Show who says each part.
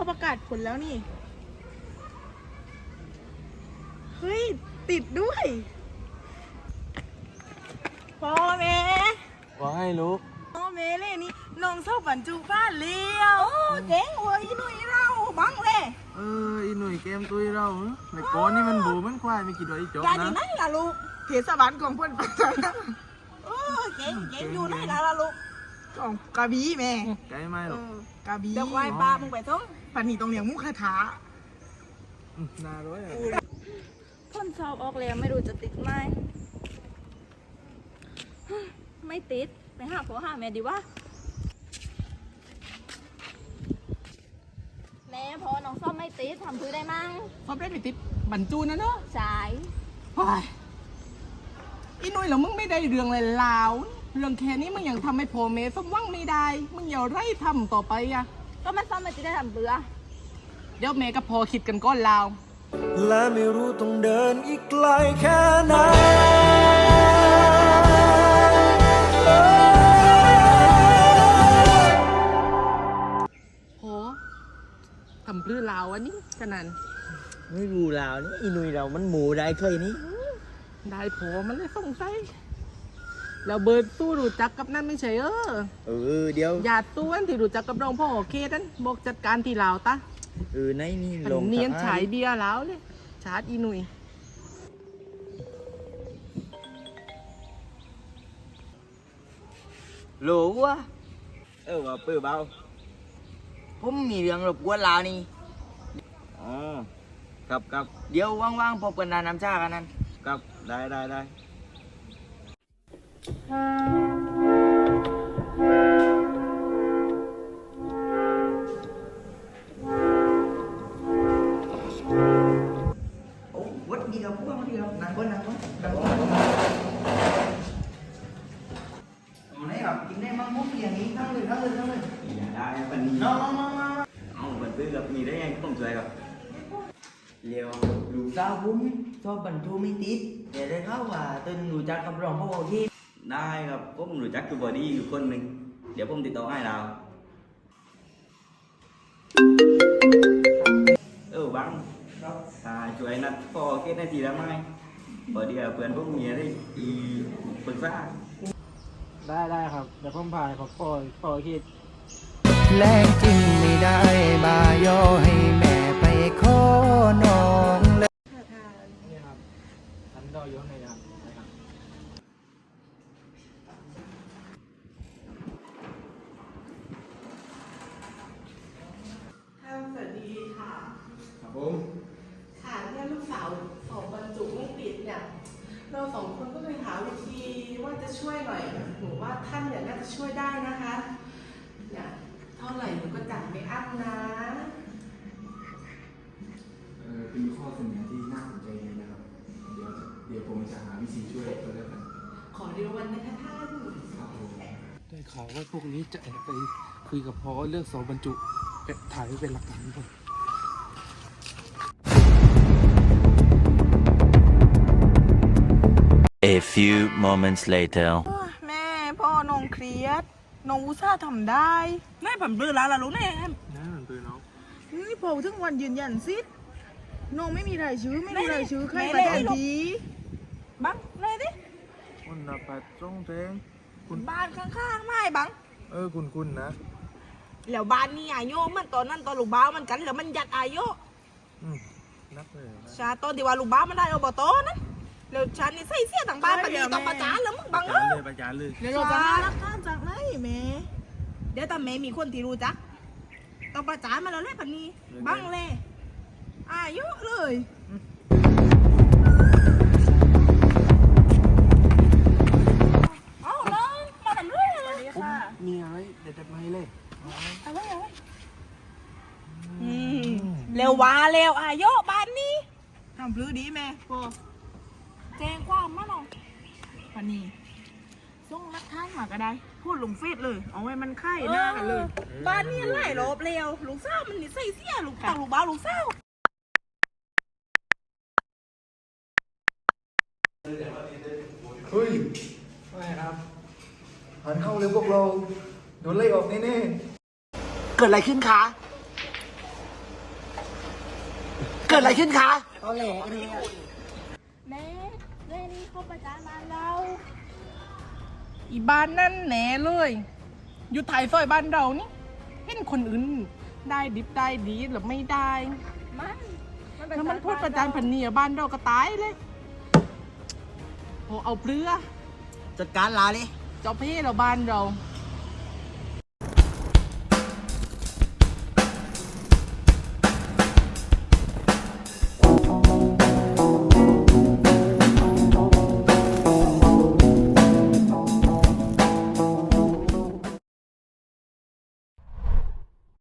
Speaker 1: เขาประกาศผลแล้วนี่ เฮ้ยติดด้วยพ่อแม่
Speaker 2: ว่าให้ลูก
Speaker 1: พ่อแม่เลยนี่น้องเศร้าบรรจุบ้านเลี้ยวเจ๋งเว้ยหนุ่ยเราบังเลย
Speaker 2: อีหนุ่ยเกมตุยเราในก้อนนี่มันบูมันควายไม่กี่ดอกอีจบ
Speaker 1: ยายอยู่
Speaker 2: นะ
Speaker 1: ไหนล่ะลูกเทศบาลของเพื่อนปัจจัยเจ๋งอยู่ไหนล่ะลูกของกระบี่แม่
Speaker 2: ไกลไหมหรอก
Speaker 1: กระบี่
Speaker 3: เดี๋ยวควายปลามึงไปส่ง
Speaker 1: ปันนี่ต้องเลี้ยงมุขคาถา
Speaker 2: นาร้อย
Speaker 3: พ่นสอบออกแล้วไม่รู้จะติดไหมไม่ติดไปหาพ่อหาแม่ดีวะแม่พอน้องซ่อมไม่ติดทำพื้นได้มั้ง
Speaker 1: พอได้ไปติดบรรจุนะเนาะ
Speaker 3: สาย
Speaker 1: อีนุ่ยแล้วมึงไม่ได้เรื่องเลยลาวเรื่องแค่นี้มึงยังทำให้พ่อแม่สมหวังไม่ได้มึงอย่าไร่ทำต่อไปอะ
Speaker 3: ก็มันซ่อมไม่ติดได้ทำเบื่อ
Speaker 1: เดี๋ยวแม่กับพ่อคิดกันก้อนลาว
Speaker 4: และไม่รู้ต้องเดินอีกไกลแค่ไหน
Speaker 1: โหทำปลื้อลาวอันนี้ขนาด
Speaker 5: ไม่รู้ลาวนี่อีนุยเรามันหมูได้เคยนี่
Speaker 1: ได้โผมันเลยสงสัยแล้วเบิร์ดสู้รู้จักกับนั่นไม่ใช่
Speaker 5: เดี๋ยว
Speaker 1: ญาติสู้อันที่รู้จักกับรองพ่อเคสนั้นบอกจัดการที่ลาวตะ
Speaker 5: ในนี่
Speaker 1: อัน
Speaker 5: ลง
Speaker 1: เนียนฉายเบียร์แล้วเลยชาร์จอีหนุ่ย
Speaker 5: โหลวะว่าเปิดเบาผมมีเรื่องรบกวนลาวนี่อ๋อกับเดี๋ยวว่างๆพบกันนานน้ำชากันนั่นกับได้วัดดีครับพวกวัดดีครับนั่งก่อนไหนครับกินได้มั้งมุกอย่างนี้นั่งเลยอย่าได้ปันนี้น้องมันซื้อกับมีได้ไงต้องช่วยครับเร็วลูกสาวผมชอบบรรทุกไม่ติดแต่ได้ข่าวว่าต้นรู้จักกับรองพ่อโอเคได้ครับผมรู้จักกับบอดี้อยู่คนหนึ่งเดี๋ยวผมติดต่อให้เราบังช่วยนัดพ่อเกตได้ทีละไหมบอดี้เพื่อนพวกเมียได้อีปรึกษา
Speaker 2: ได้ครับเดี๋ยวผมพาเขาพ่อคิด
Speaker 4: แรงจริงไม่ได้บายอให้แม่ไปขอน้องเลย
Speaker 2: นี่ครับฉันรออยู่ข้างในครับ
Speaker 1: สวัสดีค่ะ
Speaker 2: ครับผม
Speaker 1: ค่ะเนี่ยลูกสาวสอบบรรจุไม่ติดเนี่ยเราสองคนก็เลยหาวิธีว่าจะช่วยหน่อยหนูว่าท่านเนี่ยน่าจะช่วยได้นะคะเนี่ยเท่าไหร่หนูก็จ่ายไม่อั้นนะ
Speaker 6: เป็นข้อเสนอที่น่าสนใจเลยนะครับ เดี๋ยวผมจะหาวิธีช่วยตัวแล้วกัน
Speaker 1: ขอเดียววันนะคะท่าน
Speaker 6: ครับผม
Speaker 2: ได้ข่าวว่าพวกนี้จะแอบไปคุยกับพ่อเรื่องสอบบรรจุถ่ายไว้เป็นหลักฐานก่อน
Speaker 7: A few moments later.
Speaker 1: แม่พ่อน้องเครียดน้องอุตส่าห์ทำได้แม่ผมเบื่อแล้วล่ะลูกแน่
Speaker 2: นะมันปืนน้อง
Speaker 1: นี่พอถึงวันยืนยันสิน้องไม่มีรายชื่อไม่มีรายชื่อใครประแทนทีบังเลยดิ
Speaker 2: คนละปัดตรงเทง
Speaker 1: บ้านข้างๆไม่บัง
Speaker 2: คุณนะ
Speaker 1: แล้วบ้านนี่อายุมันตอนนั้นตอนลูกบ้าวมันกันแล้วมันยัดอายุ
Speaker 2: นับเลย
Speaker 1: ชาตอนที่ว่าลูกบ้าวมันได้อบตนั้นแล้วฉันนี่ใส่เสียต่างบ้านปฏิต้องประจานแล้วมึงบัง
Speaker 2: ประจานเลย
Speaker 1: เดี๋ยวเราจะหาหลักฐานจากไหนแม่เดี๋ยวตาแม่มีคนที่รู้จักต้องประจานมาแล้วแหละพันนี้บังเลยอายุเลยเอาเลยมาทำเรื่องอะไรค่ะ
Speaker 2: มีอะไรเด็ดๆมาให้เลย
Speaker 1: อะไรเร็วว่าเร็วอายุบ้านนี้ทำพลื้ดีแม่พอแจ้งความมาหน่อยพันนี้ส่งหลักฐานมาก็ได้พูดลงเฟซเลยเอาไว้มันไข่หน้ากันเลยบ้านนี้ไล่รอบเร็วลูกสาวมันนี่ใส่เสียลูกต่างลูกบ้าวลูกสาว
Speaker 4: เฮ้ยไม่ครับหันเข้าเลยพวกเราโดนไล่ออกแน่
Speaker 5: เกิดอะไรขึ้นคะ
Speaker 4: กิดอะไรขึ้นคะ
Speaker 3: แม่เรื่องนี้เขาประจานบ้านเรา
Speaker 1: อีบ้านนั่นแหน่เลย อยู่ถ่ายซอยบ้านเรานี่เห็นคนอื่นได้ดิบได้ดีหรือไม่ได้
Speaker 3: มันเป็น
Speaker 1: แล้วมันพูดประจานพันเนียบ้านเราก็ตายเลยโหเอาเปลือ
Speaker 5: จัดการลาเลย
Speaker 1: เจ้าเพ่เราบ้านเรา
Speaker 3: เ